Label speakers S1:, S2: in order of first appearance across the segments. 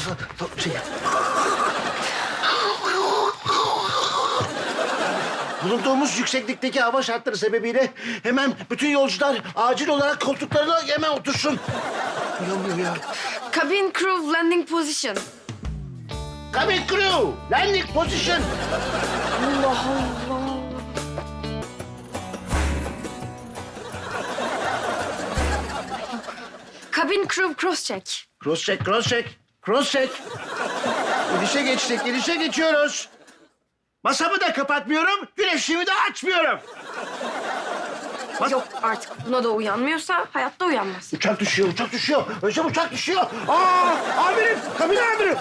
S1: Şey. Bulunduğumuz yükseklikteki hava şartları sebebiyle hemen bütün yolcular acil olarak koltuklarına hemen otursun. Uyanmıyor ya.
S2: Cabin crew landing position.
S1: Cabin crew, landing position.
S2: Allah Allah. Cabin crew cross check.
S1: Cross check, cross check, cross check. İnişe geçtik, inişe geçiyoruz. Masamı da kapatmıyorum, güneşimi de açmıyorum.
S2: Yok artık buna da uyanmıyorsa hayatta uyanmaz.
S1: Uçak düşüyor, uçak düşüyor. Özlem uçak düşüyor. Aa, amirim, kabin amirim.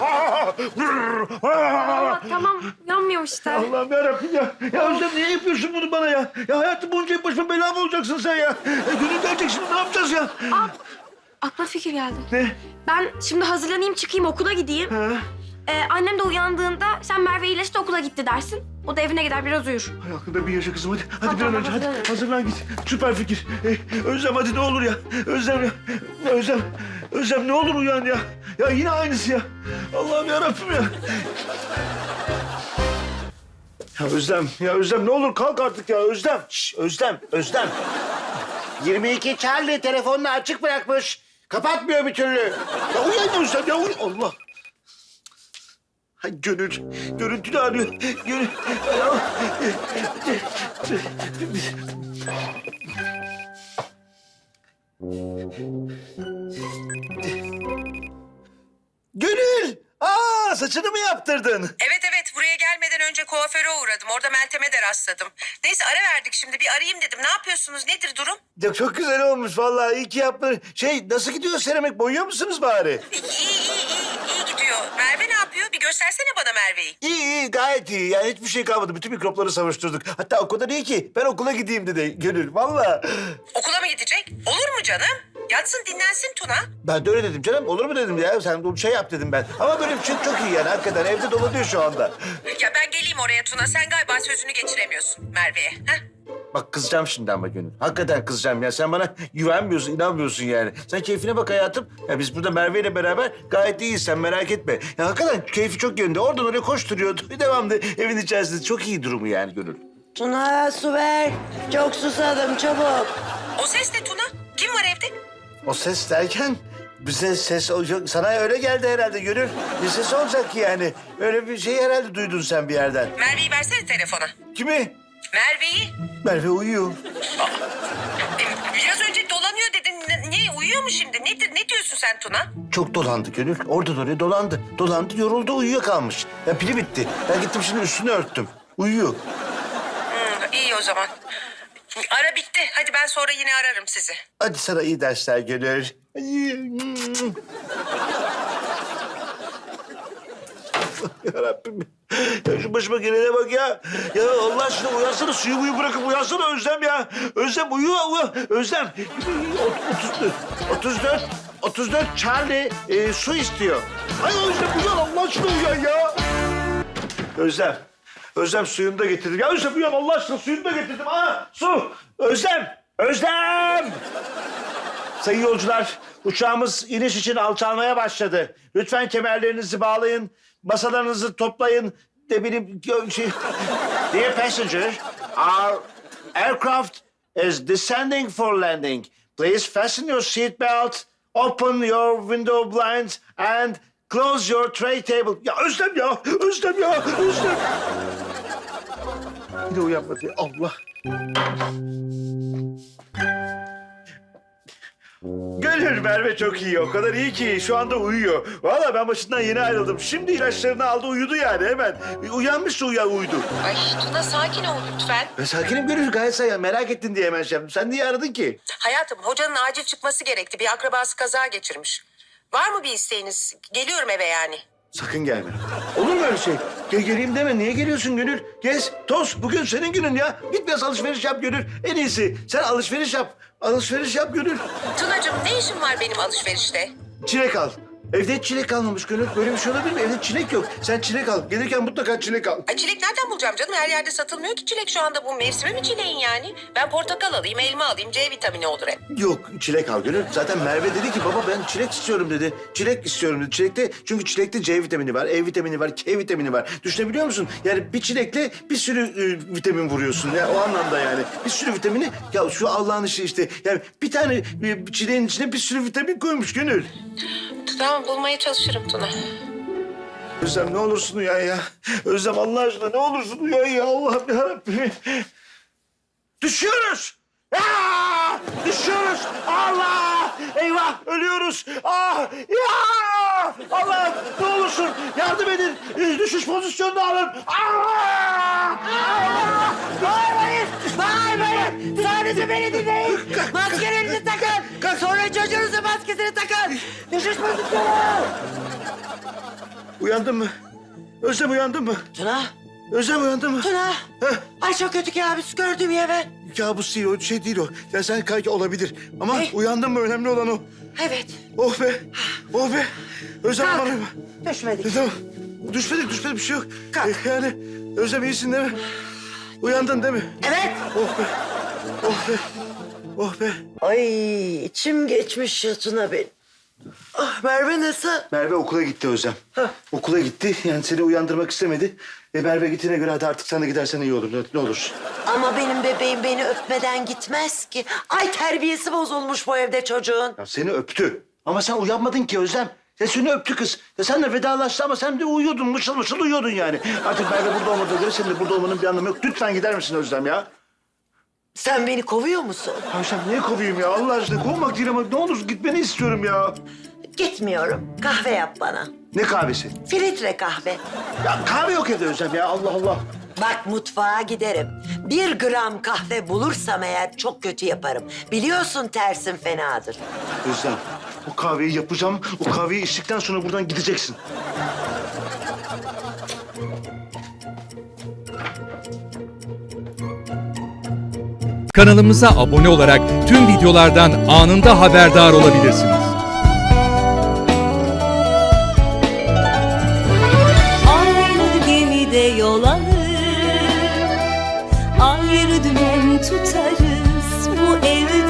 S2: Allah tamam uyanmıyor işte.
S1: Allah'ım yarabbim ya. Ya Özlem niye yapıyorsun bunu bana ya? Ya hayatım boyunca hep başıma bela mı olacaksın sen ya? Gönül gelecek şimdi ne yapacağız ya?
S2: Aklıma fikir geldi.
S1: Ne?
S2: Ben şimdi hazırlanayım çıkayım okula gideyim.
S1: Ha?
S2: Annem de uyandığında sen Merve iyileşti okula gitti dersin. O da evine gider biraz uyur.
S1: Hay aklında bir yaşa kızım hadi. Hadi bir
S2: Tamam,
S1: an önce hadi.
S2: hazırlanıyorum.
S1: Hazırlan git. Süper fikir. Özlem hadi ne olur ya. Özlem ya. Özlem. Özlem ne olur uyan ya. Ya yine aynısı ya. Allah'ım yarabbim ya. Ya Özlem ne olur kalk artık ya Özlem. Şş, Özlem. 22 Charlie telefonunu açık bırakmış. Kapatmıyor bir türlü. Ya uyan Özlem ya uyan. Allah. Hay Gönül, görüntülü arıyor. Gönül. Gönül! Aa, saçını mı yaptırdın?
S3: Evet buraya gelmeden önce kuaföre uğradım. Orada Meltem'e de rastladım. Neyse ara verdik şimdi bir arayayım dedim. Ne yapıyorsunuz nedir durum?
S1: Ya çok güzel olmuş vallahi. İyi ki yaptın. Nasıl gidiyor seramik? Boyuyor musunuz bari?
S3: İyi gidiyor. Merve ne yapıyor? Bir göstersene bana Merve'yi.
S1: İyi, gayet iyi. Yani hiçbir şey kalmadı. Bütün mikropları savuşturduk. Hatta o kadar iyi ki ben okula gideyim dedi Gönül. Vallahi.
S3: Okula mı gidecek? Olur mu canım? Yatsın dinlensin Tuna.
S1: Ben de öyle dedim canım. Olur mu dedim ya. Sen bir şey yap dedim ben. Ama böyle bir şey çok iyi yani. Hakikaten evde dolanıyor şu anda.
S3: Ya ben geleyim oraya Tuna. Sen galiba sözünü geçiremiyorsun Merve'ye. Heh?
S1: Bak kızacağım şimdi ama Gönül. Hakikaten kızacağım ya. Sen bana güvenmiyorsun, inanmıyorsun yani. Sen keyfine bak hayatım. Ya biz burada Merve ile beraber gayet iyiyiz. Sen merak etme. Ya hakikaten keyfi çok yerinde. Oradan oraya koşturuyordu. Devamlı evin içerisinde. Çok iyi durumu yani Gönül.
S4: Tuna su ver. Çok susadım çabuk.
S3: O ses ne Tuna? Kim var evde?
S1: O ses derken bize ses olacak. Sana öyle geldi herhalde Gönül. Bir ses olacak ki yani. Öyle bir şey herhalde duydun sen bir yerden.
S3: Merve'yi versene telefona.
S1: Kimi?
S3: Merve'yi.
S1: Merve uyuyor.
S3: Biraz önce dolanıyor dedin. Niye uyuyor mu şimdi? Nedir? Ne diyorsun sen Tuna?
S1: Çok dolandı Gönül. Oradan oraya dolandı. Dolandı, yoruldu, uyuyakalmış. Ya pili bitti. Ben gittim şimdi üstünü örttüm. Uyuyor.
S3: İyi o zaman. Ara bitti. Hadi ben sonra yine ararım sizi.
S1: Hadi sana iyi dersler Gönül. Yarabbim. Ya şu başıma gelene bak ya. Ya Allah aşkına uyansana, suyu bırakıp uyansana Özlem ya. Özlem uyu. Özlem. 34 Charlie su istiyor. Ay Özlem uyan, Allah aşkına uyan ya. Özlem suyunu da getirdim. Ya Özlem uyan Allah aşkına, suyunu da getirdim. Su. Özlem. Sayın yolcular, uçağımız iniş için alçalmaya başladı. Lütfen kemerlerinizi bağlayın, masalarınızı toplayın. Dear passenger, our aircraft is descending for landing. Please fasten your seat belt, open your window blinds and close your tray table. Ya Özlem ya. Yine uyanmadı ya, Allah. Gönül Merve çok iyi. O kadar iyi ki şu anda uyuyor. Vallahi ben başından yeni ayrıldım. Şimdi ilaçlarını aldı, uyudu yani hemen. Uyanmışsa uyudu.
S3: Ay Tuna sakin ol lütfen.
S1: Ben sakinim Gönül, gayet sakin. Merak ettin diye hemen şey yaptım. Sen niye aradın ki?
S3: Hayatım hocanın acil çıkması gerekti. Bir akrabası kaza geçirmiş. Var mı bir isteğiniz? Geliyorum eve yani.
S1: Sakın gelme. Olur mu öyle şey? Geleyim deme. Niye geliyorsun Gönül? Gez, toz. Bugün senin günün ya. Git biraz alışveriş yap Gönül. En iyisi. Sen alışveriş yap. Alışveriş yap Gönül.
S3: Tunacığım ne işin var benim alışverişte?
S1: Çilek al. Evde hiç çilek kalmamış Gönül. Böyle bir şey olabilir mi? Evde çilek yok. Sen çilek al. Gelirken mutlaka çilek al.
S3: Ay çilek nereden bulacağım canım? Her yerde satılmıyor ki çilek şu anda. Bu mevsimi mi çileğin yani? Ben portakal alayım, elma alayım. C vitamini olur hep.
S1: Yok çilek al Gönül. Zaten Merve dedi ki baba ben çilek istiyorum dedi. Çilek istiyorum dedi. Çilekte çünkü çilekte C vitamini var, E vitamini var, K vitamini var. Düşünebiliyor musun? Yani bir çilekle bir sürü vitamin vuruyorsun. Ya o anlamda yani. Bir sürü vitamini ya şu Allah'ın işi işte. Yani bir tane çileğin içine bir sürü vitamin koymuş Gönül.
S3: Tamam bulmaya çalışırım Tuna.
S1: Özlem ne olursun uyan ya. Özlem Allah aşkına ne olursun uyan ya. Allah'ım yarabbim. Düşüyoruz. Aa! Düşüyoruz. Allah! Eyvah ölüyoruz. Ah! Ya! Allah ne olursun yardım edin. Düşüş pozisyonunu alın. Allah! Allah!
S4: Bağırmayın! Bağırmayın! Sadece beni dinleyin! Maskelerinizi takın! Sonra çocuğunuzun maskesini takın! Düşüş pozisyonu!
S1: Uyandın mı? Özlem uyandın mı?
S4: Tuna!
S1: Özlem uyandın mı?
S4: Tuna!
S1: Heh.
S4: Ay çok kötü kabus gördüm ya ben.
S1: Kabus değil o şey değil o. Ya sen kanki olabilir. Ama
S4: Ne?
S1: uyandın mı önemli olan o.
S4: Evet.
S1: Oh be. Oh be. Özlem
S4: Kalk.
S1: bana.
S4: Düşmedik.
S1: Tamam. Düşmedik bir şey yok.
S4: Kalk.
S1: Yani Özlem iyisin değil mi? Uyandın değil mi?
S4: Evet.
S1: Oh be. Oh be. Oh be.
S4: Ay içim geçmiş ya Tuna benim. Ah Merve nasıl?
S1: Merve okula gitti Özlem.
S4: Hah.
S1: Okula gitti. Yani seni uyandırmak istemedi. Merve gittiğine göre hadi artık sen de gidersen iyi olur. Ne olur.
S4: Ama benim bebeğim beni öpmeden gitmez ki. Ay terbiyesi bozulmuş bu evde çocuğun.
S1: Ya seni öptü. Ama sen uyanmadın ki Özlem. Ya seni öptü kız. Ya senle vedalaştı ama sen de uyuyordun. Mışıl mışıl uyuyordun yani. Artık Merve burada olmadığı göre senin de burada olmanın bir anlamı yok. Lütfen gider misin Özlem ya?
S4: Sen beni kovuyor musun?
S1: Ya sen niye kovayım ya Allah aşkına? Kovmak değil ama ne olur gitmeni istiyorum ya.
S4: Gitmiyorum. Kahve yap bana.
S1: Ne kahvesi?
S4: Filtre kahve.
S1: Ya kahve yok evde Özlem ya Allah Allah.
S4: Bak mutfağa giderim. 1 gram kahve bulursam eğer çok kötü yaparım. Biliyorsun tersim fenadır.
S1: Özlem o kahveyi yapacağım. O kahveyi içtikten sonra buradan gideceksin.
S5: Kanalımıza abone olarak tüm videolardan anında haberdar olabilirsiniz.
S6: Aynı gemide yol alır, ayrı dümen tutarız. Bu evde